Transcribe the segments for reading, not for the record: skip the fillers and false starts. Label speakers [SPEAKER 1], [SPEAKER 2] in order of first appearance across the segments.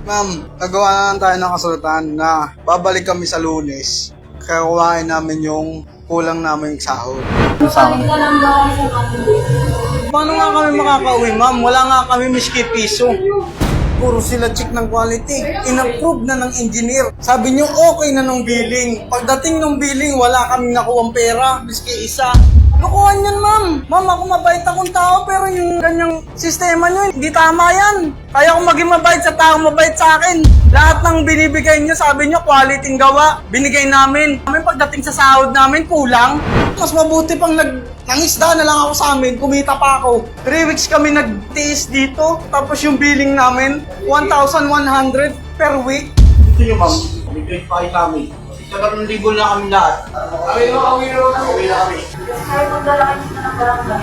[SPEAKER 1] Ma'am, nagawa na tayo ng kasulatan na babalik kami sa Lunes. Kaya kuhain namin yung kulang namin sahod.
[SPEAKER 2] Balik ka lang ba sa Monday?
[SPEAKER 1] Paano nga kami makakauwi, ma'am? Wala nga kami miski piso. Puro sila check ng quality. In-approve na ng engineer. Sabi niyo okay na nung billing. Pagdating nung billing, wala kaming nakuwang pera, miski isa. Lokohan yan, ma'am. Ma'am, ako mabait akong tao, pero yung ganyang sistema nyo, hindi tama yan. Kaya kung maging mabait sa tao, mabait sa akin. Lahat ng binibigay nyo, sabi nyo, quality ng gawa, binigay namin. Pagdating sa sahod namin, kulang. Mas mabuti pang nangisda na lang ako sa amin, kumita pa ako. 3 weeks kami nagtiis dito, tapos yung billing namin, 1,100 per week. Ito nyo, ma'am, bigay pa kayo kami. 3,000 na kami lahat. Kami na kami.
[SPEAKER 2] Kahit magdala kayo ng barangay.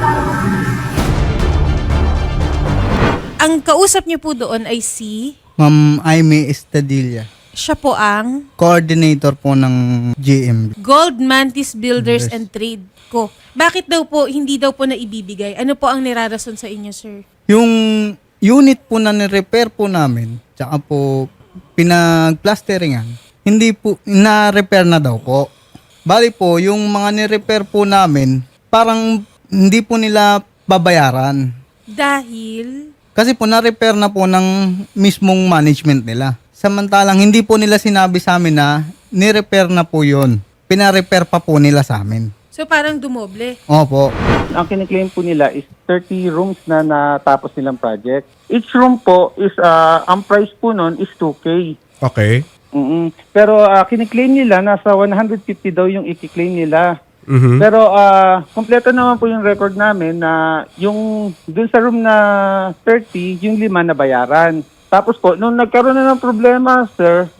[SPEAKER 3] Ang kausap niyo po doon ay si...
[SPEAKER 4] Ma'am Aimee Estadilla.
[SPEAKER 3] Siya po ang
[SPEAKER 4] Coordinator po ng GM.
[SPEAKER 3] Gold Mantis Builders and Trade Co. Bakit daw po, hindi daw po na ibibigay? Ano po ang nirarason sa inyo, sir?
[SPEAKER 4] Yung unit po na ni-repair po namin, tsaka po pinag-plasteringan, hindi po, na-repair na daw po. Bali po, yung mga ni-repair po namin, parang hindi po nila babayaran.
[SPEAKER 3] Dahil...
[SPEAKER 4] Kasi po na-repair na po ng mismong management nila. Samantalang hindi po nila sinabi sa amin na ni-repair na po yun. Pina-repair pa po nila sa amin.
[SPEAKER 3] So parang dumoble.
[SPEAKER 4] Opo.
[SPEAKER 5] Ang kiniklaim po nila is 30 rooms na natapos nilang project. Each room po is, ang price po nun is 2K.
[SPEAKER 6] Okay.
[SPEAKER 5] Pero kiniklaim nila, nasa 150 daw yung ikiklaim nila. Pero kompleto naman po yung record namin na yung dun sa room na 30, yung 5 na bayaran. Tapos po, nung nagkaroon na ng problema, sir,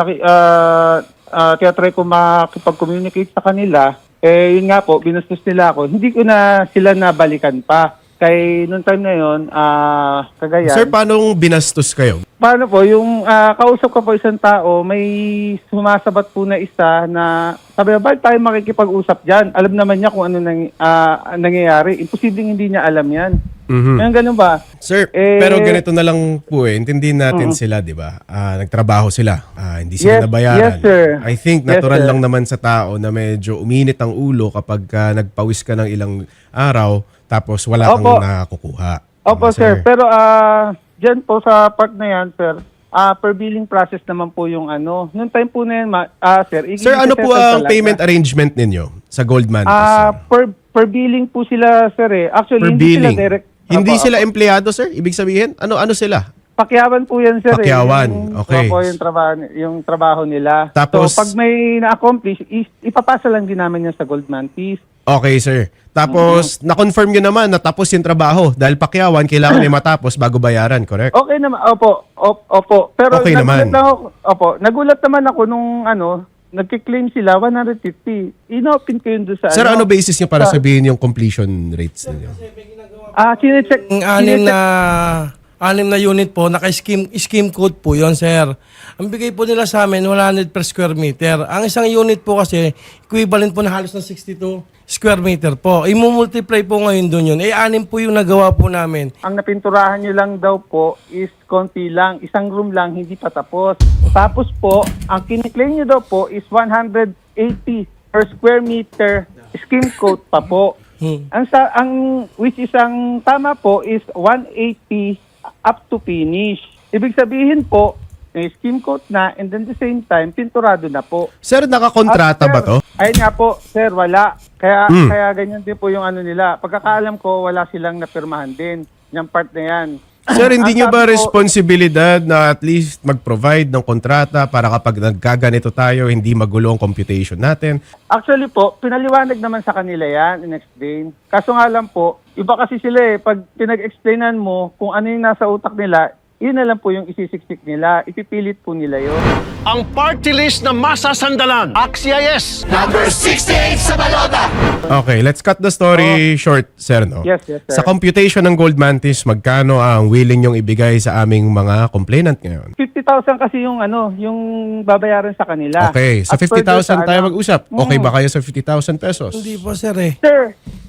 [SPEAKER 5] tiyatry ko makipag-communicate sa kanila, yun nga po, binastos nila ako. Hindi ko na sila nabalikan pa. Kay noong time na yun, Cagayan.
[SPEAKER 6] Sir, paano binastos kayo?
[SPEAKER 5] Paano po, yung kausap ko po isang tao, may sumasabat po na isa na sabi na, bakit tayo makikipag-usap dyan? Alam naman niya kung ano nangyayari. Imposibleng hindi niya alam yan. Ngayon ganun ba?
[SPEAKER 6] Sir, pero ganito na lang po intindihin natin sila, di ba? Nagtrabaho sila. Hindi sila nabayaran.
[SPEAKER 5] Yes, sir.
[SPEAKER 6] I think natural lang naman sa tao na medyo uminit ang ulo kapag nagpawis ka ng ilang araw tapos wala kang nakukuha.
[SPEAKER 5] Opo, sir. Pero dyan po sa part na yan, sir, per billing process naman po yung ano. Noong time po na yan, sir.
[SPEAKER 6] Sir, ano po ang payment arrangement ninyo sa Goldman?
[SPEAKER 5] Per billing po sila, sir eh. Actually,
[SPEAKER 6] Per
[SPEAKER 5] hindi
[SPEAKER 6] billing.
[SPEAKER 5] sila direct.
[SPEAKER 6] Hindi sila empleyado, sir? Ibig sabihin? Ano sila?
[SPEAKER 5] Pakyawan po yan, sir.
[SPEAKER 6] Pakyawan, okay.
[SPEAKER 5] Opo, yung trabaho nila.
[SPEAKER 6] Tapos-
[SPEAKER 5] so, pag may na-accomplish, ipapasa lang din namin yan sa Goldman Peace.
[SPEAKER 6] Okay, sir. Tapos, na-confirm nyo naman na tapos yung trabaho. Dahil pakyawan, kailangan ay matapos bago bayaran, correct?
[SPEAKER 5] Okay naman, opo. Pero
[SPEAKER 6] Okay naman.
[SPEAKER 5] Nagulat naman ako nung nagkiklaim sila 150. Inopen ko yun doon sa
[SPEAKER 6] Sir, ano basis nyo para sabihin yung completion rates ninyo?
[SPEAKER 5] Sinecheck.
[SPEAKER 7] Anim na unit po, naka-scheme code po yon, sir. Ang bigay po nila sa amin, 100 per square meter. Ang isang unit po kasi, equivalent po na halos ng 62 square meter po. I-multiply po ngayon doon yun. Anim po yung nagawa po namin.
[SPEAKER 5] Ang napinturahan nyo lang daw po is konti lang. Isang room lang, hindi pa tapos. Tapos po, ang kiniklaim nyo daw po is 180 per square meter scheme code pa po. Which is ang tama po is 180 up to finish. Ibig sabihin po, may scheme code na and then the same time, pinturado na po.
[SPEAKER 6] Sir, nakakontrata ba to?
[SPEAKER 5] Ayun nga po, sir, wala. Kaya ganyan din po yung ano nila. Pagkakaalam ko, wala silang napirmahan din. Yung part na yan.
[SPEAKER 6] Sir, hindi
[SPEAKER 5] Ang
[SPEAKER 6] nyo ba
[SPEAKER 5] sabi ko,
[SPEAKER 6] responsibilidad na at least mag-provide ng kontrata para kapag nagkaganito tayo, hindi magulo ang computation natin?
[SPEAKER 5] Actually po, pinaliwanag naman sa kanila yan, in-explain. Kaso nga lang po, iba kasi sila eh. Pag pinag-explainan mo kung ano yung nasa utak nila, yun na lang po yung isisiksik nila. Ipipilit po nila yun.
[SPEAKER 8] Ang party list na masasandalan. AXIS!
[SPEAKER 6] Okay, let's cut the story short, sir. No?
[SPEAKER 5] Yes, sir.
[SPEAKER 6] Sa computation ng Gold Mantis, magkano ang willing yung ibigay sa aming mga complainant ngayon?
[SPEAKER 5] 50,000 kasi yung yung babayaran sa kanila.
[SPEAKER 6] Okay, sa
[SPEAKER 5] As per doon
[SPEAKER 6] 50,000 tayo mag-usap. Okay
[SPEAKER 5] Mm.
[SPEAKER 6] ba kayo sa 50,000 pesos?
[SPEAKER 7] Hindi po, sir eh.
[SPEAKER 5] Sir,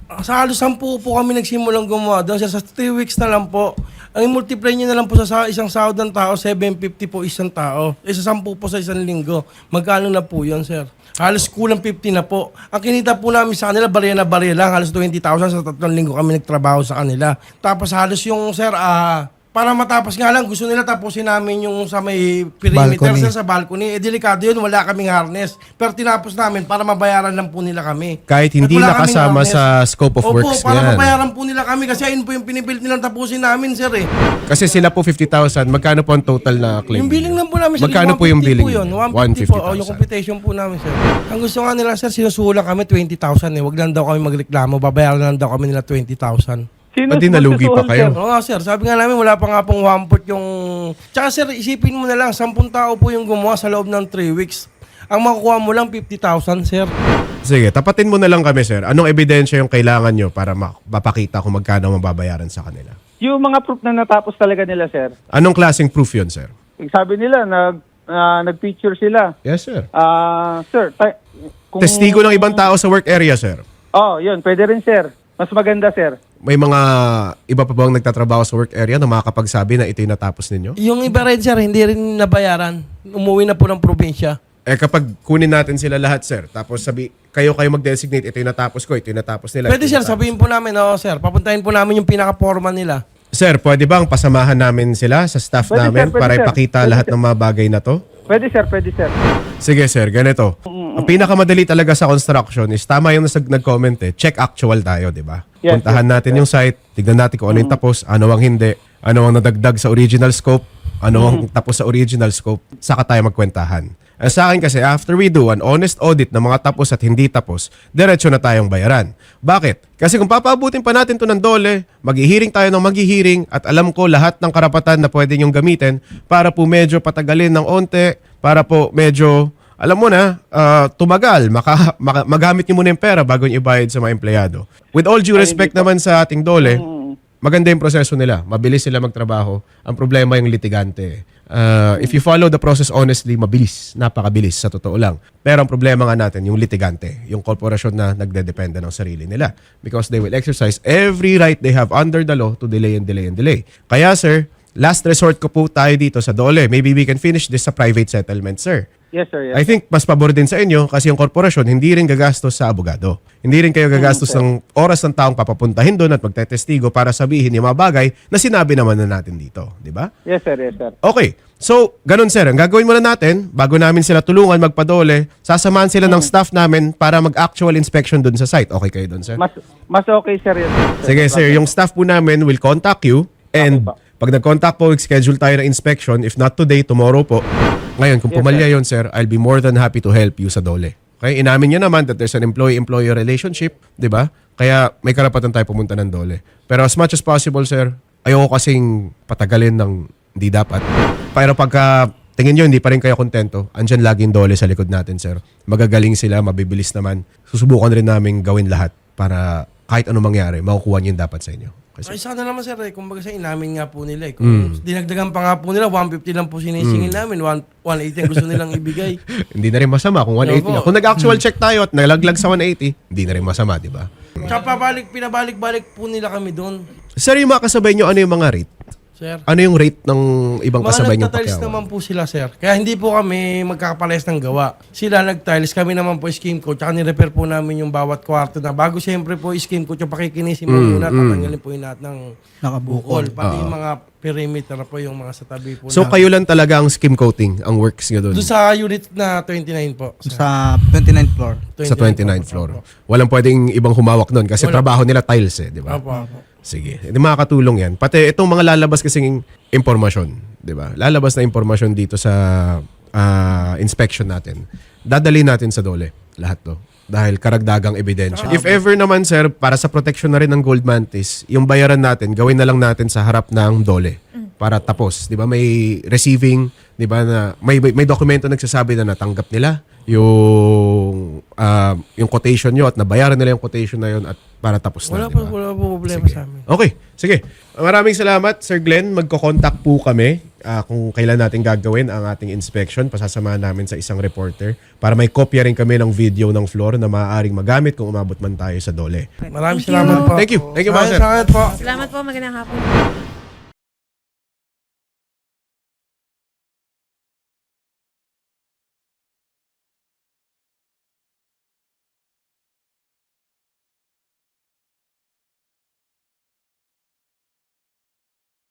[SPEAKER 7] Sa halos 10 po kami nagsimulang gumawa doon, sir. Sa 3 weeks na lang po. Ang multiply nyo na lang po sa isang sahod ng tao, 750 po isang tao. Sa 10 po sa isang linggo. Magkano na po yun, sir? Halos kulang 50 na po. Ang kinita po namin sa kanila, barya na barya lang. Halos 20,000 sa 3 linggo kami nagtrabaho sa kanila. Tapos halos yung, sir, para matapos nga lang, gusto nila tapusin namin yung sa may perimeter,
[SPEAKER 4] Balcony.
[SPEAKER 7] sir, sa balcony. Delikado yun, wala kaming harness. Pero tinapos namin para mabayaran lang po nila kami.
[SPEAKER 6] Kahit hindi
[SPEAKER 7] Wala kaming
[SPEAKER 6] nakasama
[SPEAKER 7] harness.
[SPEAKER 6] sa scope of
[SPEAKER 7] Opo,
[SPEAKER 6] works
[SPEAKER 7] para
[SPEAKER 6] yan.
[SPEAKER 7] mabayaran po nila kami kasi ayun po yung pinipilit nilang tapusin namin, sir eh.
[SPEAKER 6] Kasi sila po 50,000. Magkano po ang total na claim?
[SPEAKER 7] Yung billing lang po namin, sir,
[SPEAKER 6] Magkano po yung
[SPEAKER 7] 150
[SPEAKER 6] billing?
[SPEAKER 7] po yun?
[SPEAKER 6] niyo?
[SPEAKER 7] 150 po, yung computation po namin, sir. Ang gusto nga nila, sir, sinusulang kami 20,000 eh. Wag lang daw kami magreklamo, babayaran lang daw kami nila 20,000.
[SPEAKER 5] Sino
[SPEAKER 6] Pati nalugi pa
[SPEAKER 5] magsusuhol,
[SPEAKER 6] kayo.
[SPEAKER 5] sir?
[SPEAKER 7] Oo nga, sir. Sabi nga namin, wala pa nga pong 1/4 yung... Tsaka, sir, isipin mo na lang, 10 tao po yung gumawa sa loob ng 3 weeks. Ang makukuha mo lang 50,000, sir.
[SPEAKER 6] Sige, tapatin mo na lang kami, sir. Anong ebidensya yung kailangan nyo para mapakita kung magkano mababayaran sa kanila?
[SPEAKER 5] Yung mga proof na natapos talaga nila, sir.
[SPEAKER 6] Anong klaseng proof yun, sir?
[SPEAKER 5] Sabi nila, nag-picture sila.
[SPEAKER 6] Yes, sir.
[SPEAKER 5] Sir, kung...
[SPEAKER 6] Testigo ng ibang tao sa work area, sir.
[SPEAKER 5] Yun, pwede rin, sir. Mas maganda, sir.
[SPEAKER 6] May mga iba pa bang nagtatrabaho sa work area na makakapagsabi na ito yung natapos ninyo?
[SPEAKER 7] Yung iba rin, sir, hindi rin nabayaran. Umuwi na po ng probinsya.
[SPEAKER 6] Kapag kunin natin sila lahat, sir, tapos kayo mag-designate, ito yung natapos ko, ito yung natapos nila.
[SPEAKER 7] Pwede,
[SPEAKER 6] ito yung
[SPEAKER 7] sir,
[SPEAKER 6] natapos
[SPEAKER 7] sabihin po namin, sir, papuntahin po namin yung pinaka-forma nila.
[SPEAKER 6] Sir, pwede bang pasamahan namin sila sa staff
[SPEAKER 5] Pwede,
[SPEAKER 6] namin
[SPEAKER 5] sir, pwede,
[SPEAKER 6] para
[SPEAKER 5] sir.
[SPEAKER 6] ipakita
[SPEAKER 5] Pwede,
[SPEAKER 6] lahat
[SPEAKER 5] sir.
[SPEAKER 6] ng mga bagay na to?
[SPEAKER 5] Pwede, sir. Pwede, sir.
[SPEAKER 6] Sige, sir, ganito. Ang pinakamadali talaga sa construction is tama yung nag-comment check actual tayo, di ba?
[SPEAKER 5] Yes,
[SPEAKER 6] Puntahan
[SPEAKER 5] yes,
[SPEAKER 6] natin yung site, tignan natin kung ano yung tapos, ano ang hindi, ano ang nadagdag sa original scope, ano ang tapos sa original scope, saka tayo magkwentahan. Sa akin kasi, after we do an honest audit ng mga tapos at hindi tapos, diretso na tayong bayaran. Bakit? Kasi kung papaabutin pa natin to ng dole, maghihiring tayo ng maghihiring at alam ko lahat ng karapatan na pwede nyong gamitin para po medyo patagalin ng onte, para po medyo, alam mo na, tumagal, magamit nyo muna yung pera bago nyo ibayad sa mga empleyado. With all due respect naman sa ating dole, maganda yung proseso nila. Mabilis sila magtrabaho. Ang problema yung litigante. If you follow the process honestly, mabilis. Napakabilis, sa totoo lang. Pero ang problema nga natin, yung litigante. Yung korporasyon na nagdedepende ng sarili nila. Because they will exercise every right they have under the law to delay and delay and delay. Kaya sir, last resort ko po tayo dito sa dole. Maybe we can finish this sa private settlement, sir.
[SPEAKER 5] Yes, sir. Yes.
[SPEAKER 6] I think mas pabor din sa inyo kasi yung korporasyon hindi rin gagastos sa abogado. Hindi rin kayo gagastos ng oras ng taong papapuntahin doon at magtetestigo para sabihin yung mga bagay na sinabi naman na natin dito. Di ba?
[SPEAKER 5] Yes, sir. Yes, sir.
[SPEAKER 6] Okay. So, ganun sir. Ang gagawin muna natin, bago namin sila tulungan magpadole, sasamahan sila ng staff namin para mag-actual inspection doon sa site. Okay kayo doon, sir?
[SPEAKER 5] Mas okay, sir. Yes, sir.
[SPEAKER 6] Sige, sir. Yung staff po namin will contact you and
[SPEAKER 5] Okay po.
[SPEAKER 6] pag nag-contact po, schedule tayo ng inspection. If not today, tomorrow po. Ngayon, kung pumalya yun, sir, I'll be more than happy to help you sa dole. Okay? Inamin niya naman that there's an employee-employer relationship, di ba? Kaya may karapatan tayo pumunta ng dole. Pero as much as possible, sir, ayoko kasing patagalin ng hindi dapat. Pero pagka tingin nyo, hindi pa rin kayo kontento, andyan laging dole sa likod natin, sir. Magagaling sila, mabibilis naman. Susubukan rin namin gawin lahat para kahit ano mangyari, makukuha nyo yung dapat sa inyo. Kasi,
[SPEAKER 7] Ay, sana naman, sir, kumbaga sa inamin nga po nila. Kung dinagdagan pa nga po nila, 150 lang po sinisingil namin, 180 ang gusto nilang ibigay.
[SPEAKER 6] hindi na rin masama kung 180 na.
[SPEAKER 7] Opo.
[SPEAKER 6] Kung nag-actual check tayo at nalaglag sa 180, hindi na rin masama, di ba?
[SPEAKER 7] Tsaka pinabalik-balik po nila kami doon,
[SPEAKER 6] Sir, yung mga kasabay nyo, ano yung mga rate?
[SPEAKER 7] sir.
[SPEAKER 6] Ano yung rate ng ibang
[SPEAKER 7] Mga
[SPEAKER 6] kasabay nyo
[SPEAKER 7] nagtatiles
[SPEAKER 6] pakyawan?
[SPEAKER 7] naman po sila, sir. Kaya hindi po kami magkakapares ng gawa. Sila nagtiles, kami naman po scheme coach. Tsaka nirepair po namin yung bawat kwarto na bago siyempre po scheme coach yung pakikinisin mo muna. Tatanggalin po yung lahat ng
[SPEAKER 4] Nakabukol.
[SPEAKER 7] Pati yung mga perimeter po yung mga sa tabi po.
[SPEAKER 6] So, kayo lang talaga ang skim coating, ang works nyo doon?
[SPEAKER 7] Doon sa unit na 29 po. Sir.
[SPEAKER 4] Sa 29th floor.
[SPEAKER 6] Sa 29th floor. Walang pwedeng ibang humawak doon kasi trabaho nila tiles di ba?
[SPEAKER 7] Opo, opo.
[SPEAKER 6] Sige. Hindi makakatulong yan. Pati itong mga lalabas kasing impormasyon, di ba? Lalabas na impormasyon dito sa inspection natin. Dadali natin sa dole. Lahat to. Dahil karagdagang ebidensya. If ever naman, sir, para sa protection na rin ng Gold Mantis, yung bayaran natin, gawin na lang natin sa harap ng dole. Para tapos. Di ba? May receiving, di ba, na may dokumento nagsasabi na natanggap nila yung quotation nyo at nabayaran nila yung quotation na yun at para tapos na.
[SPEAKER 7] Wala po problema
[SPEAKER 6] Sige.
[SPEAKER 7] sa amin.
[SPEAKER 6] Okay, sige. Maraming salamat, Sir Glenn. Magko-contact po kami kung kailan natin gagawin ang ating inspection. Pasasamahan namin sa isang reporter para may kopya rin kami ng video ng floor na maaaring magamit kung umabot man tayo sa DOLE.
[SPEAKER 7] Maraming
[SPEAKER 3] Thank you.
[SPEAKER 7] salamat po.
[SPEAKER 6] Thank you. Thank you, mga sir.
[SPEAKER 7] Salamat po.
[SPEAKER 3] Salamat po, magandang hapon.